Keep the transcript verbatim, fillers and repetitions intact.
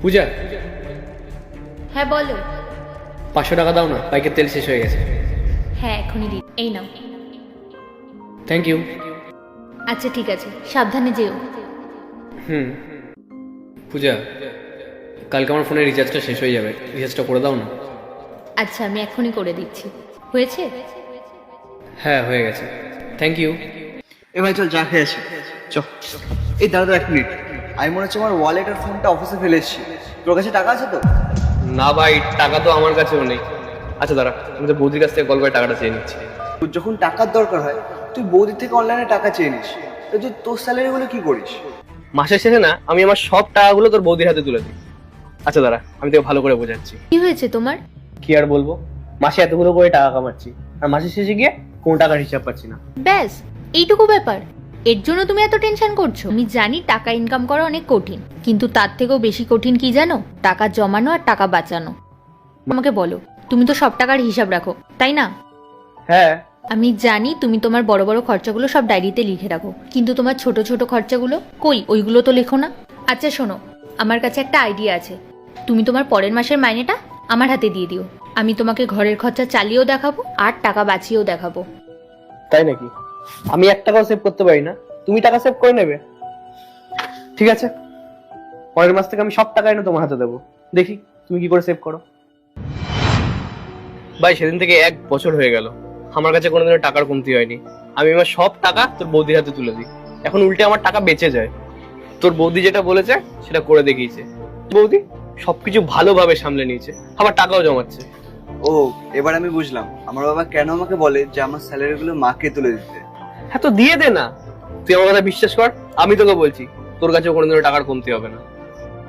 পূজা, হ্যাঁ বলো। পাঁচশো টাকা দাও না, বাইকের তেল শেষ হয়ে গেছে। হ্যাঁ এখনই দি, এই নাও। Thank you. আচ্ছা ঠিক আছে, সাবধানে যেও। হুম। পূজা, কালকে আমার ফোনের রিচার্জটা শেষ হয়ে যাবে, রিচার্জটা করে দাও না। আচ্ছা আমি এখনই করে দিচ্ছি। হয়েছে? হ্যাঁ হয়ে গেছে, থ্যাংক ইউ। এ ভাই চল চা খেয়ে আসি। চ। এই দাঁড়া তো এক মিনিট, আমি মনে হচ্ছে আমার ওয়ালেট আর ফোনটা অফিসে ফেলে এসেছি। তোর কাছে টাকা আছে তো? না ভাই, টাকা তো আমার কাছেও নেই। আচ্ছা দাঁড়া, আমি তো বৌদির কাছ থেকে কল করে টাকাটা চেয়ে নিচ্ছি। তোর যখন টাকার দরকার হয় তুই বৌদির থেকে অনলাইনে টাকা চেয়ে নিস, তো তুই তোর স্যালারিগুলো কি করিস? মাসের শেষে না আমি আমার সব টাকাগুলো তোর বৌদির হাতে তুলে দিই। আচ্ছা দাঁড়া, আমি তোকে ভালো করে বোঝাচ্ছি। কি হয়েছে তোমার? কি আর বলবো, মাসে এতগুলো করে টাকা কামাচ্ছি আর মাসের শেষে গিয়ে কোন টাকার হিসাব পাচ্ছি না। ব্যাস এইটুকু ব্যাপার? এর জন্য তুমি এত টেনশন করছো? আমি জানি টাকা ইনকাম করা অনেক কঠিন, কিন্তু তার থেকেও বেশি কঠিন কি জানো? টাকা জমানো আর টাকা বাঁচানো। আমাকে বলো, তুমি তো সব টাকার হিসাব রাখো তাই না? হ্যাঁ। আমি জানি তুমি তোমার বড় বড় খরচাগুলো সব ডায়েরিতে লিখে রাখো, কিন্তু তোমার ছোট ছোট খরচাগুলো কই, ওইগুলো তো লেখো না। আচ্ছা শোনো, আমার কাছে একটা আইডিয়া আছে। তুমি তোমার পরের মাসের মাইনেটা আমার হাতে দিয়ে দিও, আমি তোমাকে ঘরের খরচা চালিয়েও দেখাবো আর টাকা বাঁচিয়েও দেখাবো। তাই নাকি? আমি এক টাকাও সেভ করতে পারি না, তুমি টাকা সেভ করে নেবে? ঠিক আছে, পরের মাস থেকে আমি সব টাকা এনে তোমার হাতে দেবো, দেখি তুমি কি করে সেভ করো। ভাই সেদিন থেকে এক বছর হয়ে গেল, আমার কাছে কোনোদিনও টাকার কমতি হয়নি। আমি আমার সব টাকা তোর বৌদির হাতে তুলে দিই, এখন উল্টে আমার টাকা বেঁচে যায়। তোর বৌদি যেটা বলেছে সেটা করে দেখিয়েছে। বৌদি সবকিছু ভালোভাবে সামলে নিয়েছে, আমার টাকাও জমাচ্ছে। ও, এবার আমি বুঝলাম আমার বাবা কেন আমাকে বলে যে আমার স্যালারিগুলো মাকে তুলে দিতে। হ্যাঁ তো দিয়ে দে না, তুই আমার কথা বিশ্বাস কর, আমি তোকে বলছি তোর কাছে কোনোদিনও টাকার কমতি হবে না।